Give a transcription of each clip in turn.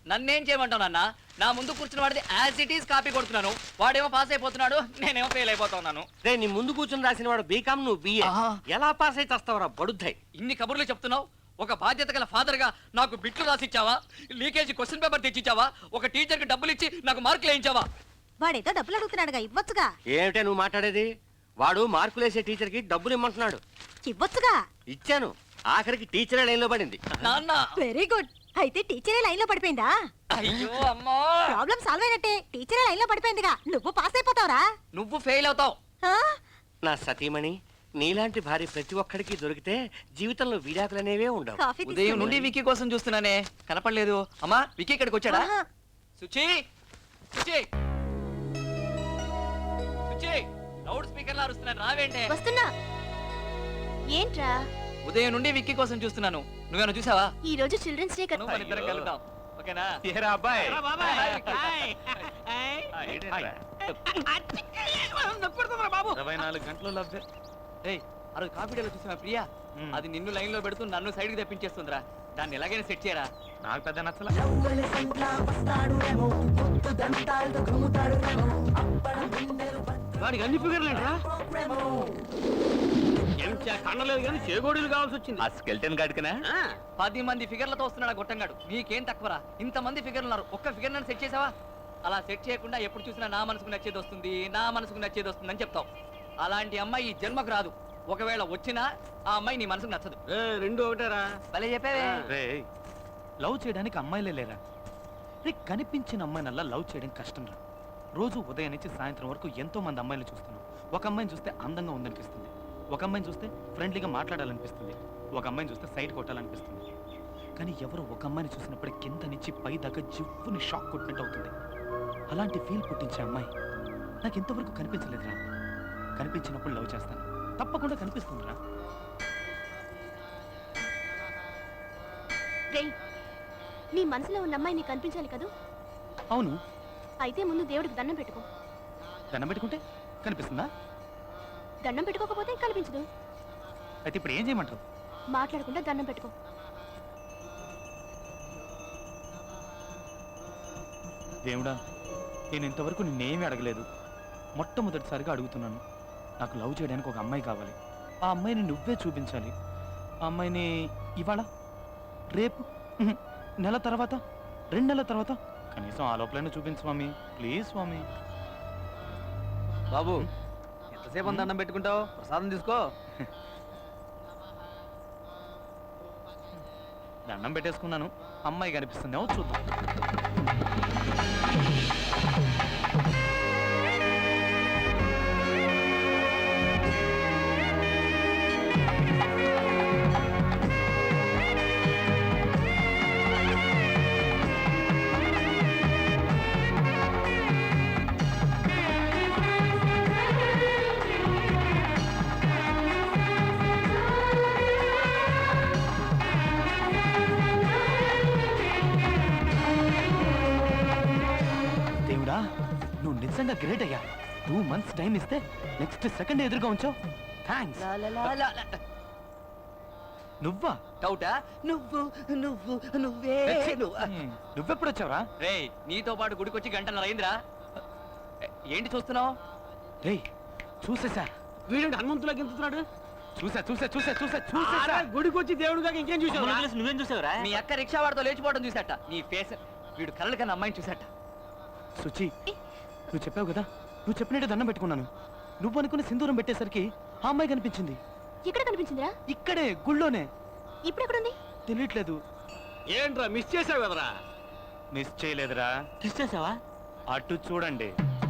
నన్నేం చేయమంటావు నాన్న? నా ముందు కూర్చున్న వాడిది యాజ్ ఇట్ ఈస్ కాపీ కొడుతున్నాను. వాడేమో పాస్ అయిపోతున్నాడు, నేనేమో ఫెయిల్ అయిపోతున్నాను. రే నీ ముందు కూర్చుని రాసిన వాడు బీకామ్, నువ్వు బిఏ. ఎలా పాస్ అయితే వస్తావురా బడుద్దాయి? ఇన్ని కబుర్లు చెప్తున్నావు. ఒక బాధ్యత గల ఫాదర్ గా నాకు బిట్లు రాసిచ్చావా? లీకేజీ క్వశ్చన్ పేపర్ తెచ్చిచ్చావా? ఒక టీచర్ కి డబ్బులు ఇచ్చి నాకు మార్కులు వేయించావా? వాడేదో డబ్బులు అడుగుతున్నాడుగా, ఇవ్వచ్చుగా. ఏమిటే నువ్వు మాట్లాడేది? వాడు మార్కులేసే టీచర్ కి డబ్బులు ఇమ్మంటున్నాడు. ఇవ్వచ్చుగా. ఇచ్చాను, ఆఖరికి టీచరే లైన్ లో పడింది. నాన్న వెరీ గుడ్. అయితే టీచరే లైన్ లో పడిపోయిందా? అయ్యో అమ్మా, ప్రాబ్లం సాల్వ్ అయినట్టే. టీచరే లైన్ లో పడిపోయిందిగా, నువ్వు పాస్ అయిపోతావురా. నువ్వు ఫెయిల్ అవుతావు. నా సతీమణి, నీలాంటి భార్య ప్రతి ఒక్కడికి దొరికితే జీవితంలో విడాకులనేవే ఉండవు. ఉదయం నుండి వికీ కోసం చూస్తున్నానే, కనపడలేదు. అమ్మా వికీ ఇక్కడికి వచ్చాడా? సుచి, సుచి, సుచి, లౌడ్ స్పీకర్ లా అరుస్తున్నాను, రావేంటే? వస్తున్నా. ఏంట్రా? ఉదయం నుండి విక్కీ కోసం చూస్తున్నాను. నువ్వేనా చూసావా? ఈ రోజు చిల్డ్రన్స్ డే కదా. మన ఇద్దరం కలుద్దాం, ఓకేనా? ఏరా అబ్బాయి, బాబు 24 గంటలు లవ్వే. ఏయ్, ఆ రోజు కాఫీ డేలో చూసావా ప్రియా? అది నిన్ను లైన్ లో పెడుతూ నన్ను సైడ్ కి తెప్పించేస్తుందిరా. దాన్ని ఎలాగైనా సెట్ చేయరా. నాకు పెద్ద నచ్చల. వాడికి అన్ని ఫిగర్లు ఏంట్రా? కన్నలేదు కానీ చేగోడీలు కావాల్సి వచ్చింది. ఆ స్కెల్టన్ గాడికనా? 10 మంది ఫిగర్లతో వస్తున్నాడు గొట్టంగాడు. నీకేం తక్కువరా? ఇంతమంది ఫిగర్లు ఉన్నారు, ఒక్క ఫిగర్ నన్ను సెట్ చేసావా? అలా సెట్ చేయకుండా ఎప్పుడు చూసినా నా మనసుకు నచ్చేది వస్తుంది, నా మనసుకు నచ్చేది వస్తుంది అని చెప్తావు. అలాంటి అమ్మాయి ఈ జన్మకు రాదు. ఒకవేళ వచ్చినా ఆ అమ్మాయి నీ మనసుకు నచ్చదు. రెండు ఒకటేరా. భలే చెప్పావే. రేయ్, లవ్ చేయడానికి అమ్మాయిలే లేరా? రే, కనిపించిన అమ్మాయినల్లా లవ్ చేయడం కష్టం రా. రోజు ఉదయం నుంచి సాయంత్రం వరకు ఎంతో మంది అమ్మాయిలు చూస్తున్నాం. ఒక అమ్మాయిని చూస్తే అందంగా ఉందనిపిస్తుంది, ఒక అమ్మాయిని చూస్తే ఫ్రెండ్లీగా మాట్లాడాలనిపిస్తుంది, ఒక అమ్మాయిని చూస్తే సైడ్ కొట్టాలనిపిస్తుంది. కానీ ఎవరు ఒక అమ్మాయిని చూసినప్పుడు కింద నుంచి పై దాకా జివ్వుని షాక్ కొట్టినట్టు అవుతుంది. అలాంటి ఫీల్ పుట్టించే అమ్మాయి నాకు ఇంతవరకు కనిపించలేదురా. కనిపించినప్పుడు లవ్ చేస్తాను, తప్పకుండా కనిపిస్తుందిరా. నీ మనసులో ఉన్న అమ్మాయి నీకు కనిపించాలి కదా? అవును. అయితే ముందు దేవుడికి దండం పెట్టుకో. దండం పెట్టుకుంటే కనిపిస్తుందా? దండం పెట్టుకోకపోతే కనిపించదు. అయితే ఇప్పుడు ఏం చేయమంటావు? మాట్లాడకుండా దండం పెట్టుకో. దేవుడా, నేను ఇంతవరకు నిన్నేమీ అడగలేదు. మొట్టమొదటిసారిగా అడుగుతున్నాను. నాకు లవ్ చేయడానికి ఒక అమ్మాయి కావాలి. ఆ అమ్మాయిని నువ్వే చూపించాలి. ఆ అమ్మాయిని ఇవాళ, రేపు, నెల తర్వాత, 2 నెలల తర్వాత, కనీసం ఆ లోపలైనా చూపించు స్వామి, ప్లీజ్ స్వామి. బాబు, ఎంతసేపు దండం పెట్టుకుంటావు? ప్రసాదం తీసుకో. దండం పెట్టేసుకున్నాను. అమ్మాయి కనిపిస్తుంది, చూద్దాం. దేవుడా, నువ్వు నిజంగా గ్రేట్ అయ్యా. 2 months టైం ఇస్తే నెక్స్ట్ సెకండ్ ఎదురుగా ఉంచావు. థ్యాంక్స్. నువ్వా? డౌటా? నువ్వు నువ్వు నువ్వే నువ్వెప్పుడు వచ్చావురా? రే, నీతో పాటు గుడికొచ్చి గంటన్నర అయిందిరా. ఏంటి చూస్తున్నావు? రే, చూసేసా. వీడు హనుమంతులా గెంతుతున్నాడు. చూసా చూసా చూసా చూసా చూసా. గుడికి వచ్చి దేవుడుగా ఇంకేం చూసావు? నువ్వేం చూసావురా? మీ అక్క రిక్షా వాడితో లేచిపోవడం చూసాట. నీ ఫేస్, వీడు కలలు కన్నా అమ్మాయిని చూసాట. సుచి, నువ్వు చెప్పావు కదా, నువ్వు చెప్పినట్టే దండం పెట్టుకున్నాను. నువ్వు అనుకుని సింధూరం పెట్టేసరికి ఆ అమ్మాయి కనిపించింది. ఎక్కడ కనిపించిందిరా? ఇక్కడే, గుళ్ళోనే. ఇప్పుడు ఎక్కడుంది? తెలియట్లేదు. ఏంట్రా మిస్ చేసావు కదరా? మిస్ చేయలేదురా. మిస్ చేసావా? అటు చూడండి.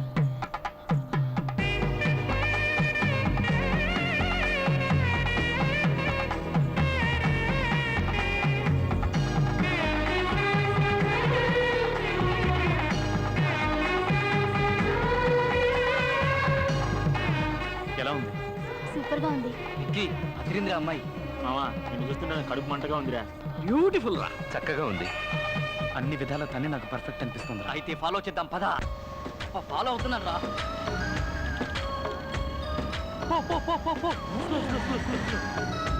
ఎలా ఉంది? సూపర్ గా ఉంది. విక్కీ, అదిరిందిరా అమ్మాయి. మావా, నేను చూస్తుంటే కడుపు మంటగా ఉందిరా. బ్యూటిఫుల్ రా. చక్కగా ఉంది. అన్ని విధాల తనే నాకు పర్ఫెక్ట్ అనిపిస్తుంది. అయితే ఫాలో చేద్దాం, పద. ఫాలో అవుతున్నాను రా.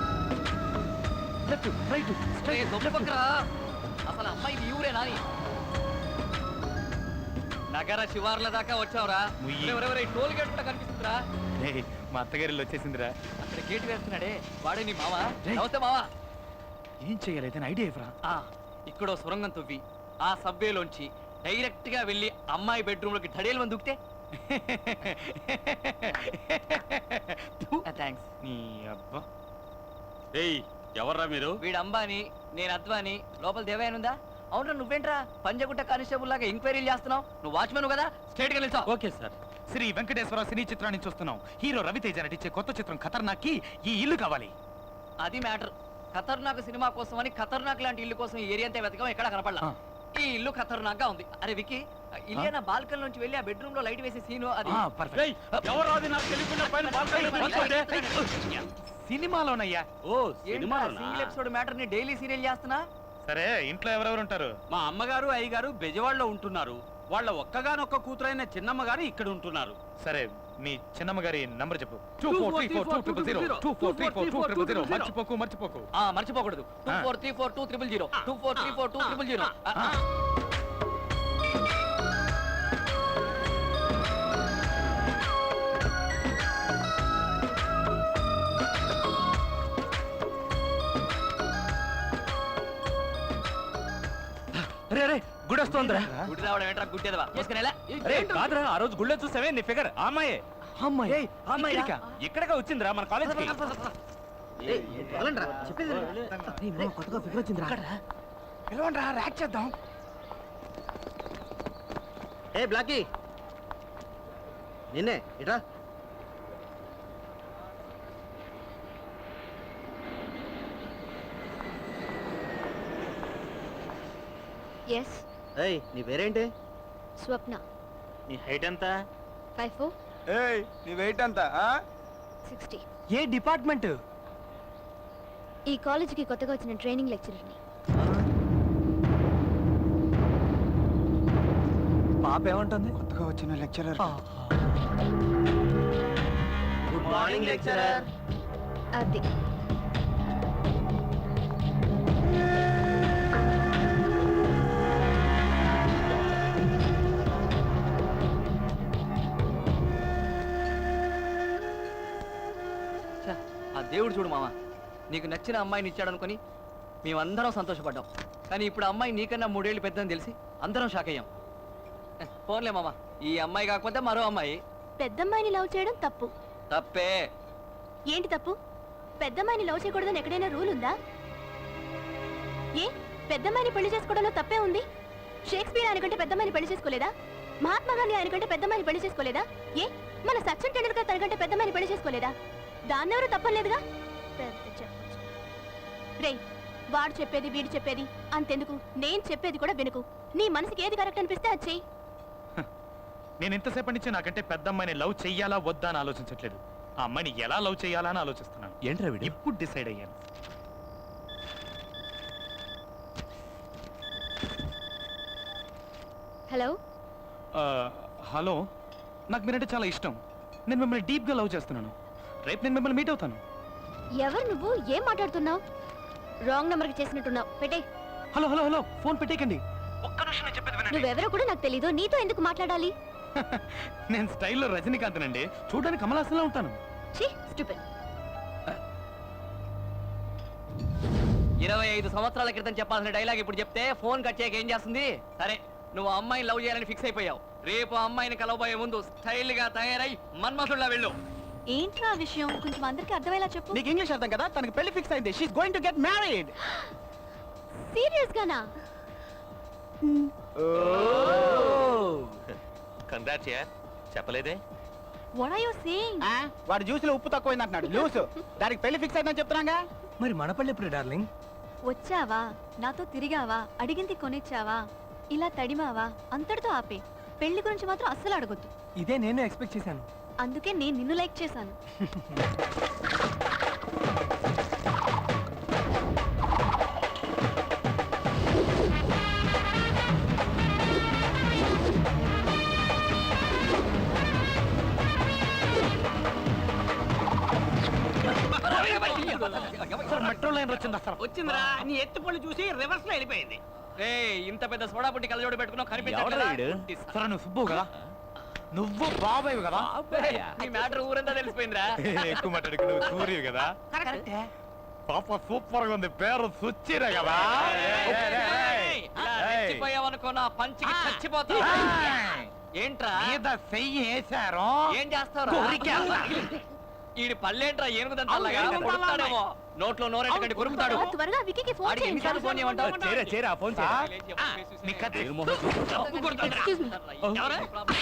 Left, right, straight. అసలు అమ్మాయి ఊరే నాని. నగర శివార్ల దాకా వచ్చావురా ముయ్యి. టోల్ గేట్ కూడా కనిపిస్తుందిరా రేయ్, మా అత్తగారిలో వచ్చేసిందిరా. అక్కడ గేట్ వేస్తున్నాడే వాడే నీ మావా రేయ్. నమస్తే మావా ఏం చెయ్యాలి అయితే ఐడియా ఇవ్వరా? ఇక్కడో సొరంగం తవ్వి ఆ సబ్వేలోంచి డైరెక్ట్ గా వెళ్ళి అమ్మాయి బెడ్రూమ్ లోకి ధడేలు మంది దుక్తే థ్యాంక్స్ నీ అబ్బా. ఏయ్ ఎవర్రా మీరు? వీడు అంబాని నేను అద్వాని లోపల దేవయానుందా అవునరా నువ్వేంట్రా పంజగుట్ట కానిస్టేబుల్ లాగా ఎంక్వైరీలు చేస్తున్నావు నువ్వు వాచ్మెన్ కదా స్ట్రేట్ గా నిల్చో okay sir. Sri Venkateswara cine చిత్రాన్ని చూస్తున్నాం. హీరో రవితేజ నటించే కొత్త చిత్రం ఖతర్నాక్ కి ఈ ఇల్లు కావాలి. అది మ్యాటర్ ఖతర్నాక్ సినిమా కోసం అని ఖతర్నాక్ లాంటి ఇల్లు కోసం ఈ ఏరియా అంతా వెతకం ఎక్కడ కనపడలా ఆ. ఈ ఇల్లు ఖతర్నాక్ గా ఉంది అరే వికి ఇల్లేనా బాల్కన్ నుంచి వెళ్ళి ఆ బెడ్రూమ్ లో లైట్ వేసే సీను అది పర్ఫెక్ట్. ఏయ్ ఎవరు అది నాకు తెలియకుండా పైన బాల్కనీలో కూర్చోండి. సినిమాలోనయ్యా. ఓ సినిమాలోనా? సింగిల్ ఎపిసోడ్ మ్యాటర్ ని డైలీ సీరియల్ చేస్తున్నా సరే ఇంట్లో ఎవరెవరు ఉంటారు? మా అమ్మగారు అయ్యగారు బెజవాడలో ఉంటున్నారు. వాళ్ళ ఒక్కగానొక్క కూతురైన చిన్నమ్మ గారు ఇక్కడ ఉంటున్నారు. సరే మీ చిన్నమ్మ గారి నంబర్ చెప్పు. 24342000 24342000 మర్చిపోకు మర్చిపోకు. మర్చిపోకూడదు 24342000 24342000 రే గుడి వస్తోందిరా. గుడి రావడం ఏంట్రా గుడ్డేదవా చేసుకునేలా రే కాదురా, ఆ రోజు గుళ్ళో చూసావే నీ ఫిగర్ ఆ అమ్మాయే. అమ్మాయి అమ్మాయి ఇక్కడికా? ఇక్కడగా వచ్చిందిరా మన కాలేజ్కి. పిలవండ్రా, ర్యాక్ చేద్దాం. ఏ బ్లాకీ నిన్నే ఇట్రా. ఎస్ ఏయ్ నీ పేరేంటి? స్వప్న నీ హైట్ ఎంత? 5'4", ఏయ్ నీ వెయిట్ ఎంత 60. ఏ డిపార్ట్మెంట్? ఈ కాలేజీకి కొత్తగా వచ్చిన ట్రైనింగ్ లెక్చరర్ని. పాప ఏమంటుంది? కొత్తగా వచ్చిన లెక్చరర్ గుడ్ మార్నింగ్ లెక్చరర్. అది ఆ దేవుడు చూడు మామ నీకు నచ్చిన అమ్మాయిని ఇచ్చాడు అనుకుని మేమందరం సంతోషపడ్డాం కానీ ఇప్పుడు అమ్మాయి నీకన్నా 3 ఏళ్ళు పెద్దని తెలిసి అందరం షాక్ అయ్యాం ఫోన్లే మామ ఈ అమ్మాయి కాకపోతే మరో అమ్మాయి పెద్దమ్మాయిని లవ్ చేయడం తప్పు. తప్పే ఏంటి తప్పు? పెద్దమ్మాయిని లవ్ చేయకూడదని ఎక్కడైనా రూల్ ఉందా? ఏ పెద్దమ్మాయిని పెళ్లి చేసుకోవడంలో తప్పే ఉంది? షేక్స్పియర్ ఆయన కంటే పెద్దమ్మాయిని పెళ్లి చేసుకోలేదా? మహాత్మా గాంధీ ఆయన కంటే పెద్దమ్మాయిని పెళ్లి చేసుకోలేదా? ఏ మన సచిన్ టెండూల్కర్ తన కంటే పెద్దమ్మాయిని పెళ్లి చేసుకోలేదా? దాన్నెవరూ తప్పలేదుగా. పెద్ద చెప్పొచ్చు రేయ్, వాడు చెప్పేది వీడు చెప్పేది అంతెందుకు, నేను చెప్పేది కూడా వినుకు. నీ మనసుకి ఏది కరెక్ట్ అనిపిస్తే అది చెయ్యి. నేను ఇంతసేపటి నుంచి నాకంటే పెద్ద అమ్మాయిని లవ్ చెయ్యాలా వద్దా అని ఆలోచించట్లేదు. ఆ అమ్మాయిని ఎలా లవ్ చెయ్యాలా అని ఆలోచిస్తున్నాను. ఏంట్రా వీడు? ఇప్పుడు డిసైడ్ అయ్యాను. హలో హలో, నాకు మీరంటే చాలా ఇష్టం. నేను మిమ్మల్ని డీప్గా లవ్ చేస్తున్నాను. రేపు నేను మిమ్మల్ని మీట్ అవుతాను. ఎవరు నువ్వు? ఏం మాట్లాడుతున్నావు? రాంగ్ నెంబర్కి చేసినట్టున్నావు. పెట్టే. హలో హలో హలో, ఫోన్ పెట్టేకండి. ఒక్క నిమిషం నేను చెప్పేది వినండి. నువ్వెవరో కూడా నాకు తెలీదు. నీతో ఎందుకు మాట్లాడాలి? నేను స్టైల్లో రజనీకాంత్ నండి. చూడడానికి కమలాసంలో ఉంటాను. ఛీ, స్టూపిడ్. 25 సంవత్సరాల క్రితం చెప్పాల్సిన డైలాగ్ ఇప్పుడు చెప్తే ఫోన్ కట్ చేయక ఏం చేస్తుంది? సరే నువ్వు ఆ అమ్మాయిని లవ్ చేయాలని ఫిక్స్ అయిపోయావు. రేపు ఆ అమ్మాయిని కలవబోయే ముందు స్టైల్ గా తయారై మన్మసుల్లా వెళ్ళు. ఏంట్రా ఆ విషయం కొంచెం అందరికి అర్థమయ్యేలా చెప్పు. నీకు ఇంగ్లీష్ అర్థం కదా? తనకి పెళ్లి ఫిక్స్ అయింది. She is going to get married. Serious గానా? కంగ్రాట్స్ యార్, చెప్పలేదే. What are you saying? వాడు జ్యూస్ లో ఉప్పు తక్కువైంది అంటున్నాడు. జ్యూస్ దానికి పెళ్లి ఫిక్స్ అయిందని చెప్తున్నాగా. మరి మన పల్లె ఎప్పుడు డార్లింగ్? వచ్చావా, నాతో తిరిగావా, అడిగింది కొనిచ్చావా, ఇలా తడిమావా, అంతటితో ఆపే. పెళ్లి గురించి మాత్రం అస్సలు అడగొద్దు. ఇదే నేను ఎక్స్పెక్ట్ చేశాను. అందుకే నేను నిన్ను లైక్ చేశాను. మెట్రో లైన్ వచ్చింది అసలు. వచ్చిందిరా, నీ ఎత్తుపళ్ళు చూసి రివర్స్ లో వెళ్ళిపోయింది. ఇంత పెద్ద సోడా పుట్టి కళ్ళజోడు పెట్టుకున్నావు ఎవడ్రా కనిపించట్లేదా? వీడు? పుట్టి సా- సరే నువ్వు సుబ్బు కదా నువ్వు బాబాయ్ కదా నీ మ్యాటర్ ఊరంతా తెలిసిపోయిందిరా. ఎక్కువ మాట్లాడుకు నువ్వు సూర్యు కదా పాప సూపర్ గా ఉంది పేరు సుచ్చిరే కదా ఇలా రెచ్చిపోయావనుకో నా పంచికి చచ్చిపోతావు. ఏంట్రా మీద చెయ్యి వేశారు ఏం చేస్తావు? ఈడి పళ్ళేంట్రా ఏనుగుదంతలాగా కొడుతాడేమో. నోట్లో నోరెట్టకండి కొరుకుతాడు. త్వరగా విక్కీకి ఫోన్ ఆడికి చేయండి ఎన్నిసార్లు ఫోన్ చేయమంటావు? చేరా ఫోన్ లేచి ఫోన్ చేసి నీ కత్తి తప్పు కొడతాడురా. Excuse me. ఎవరు?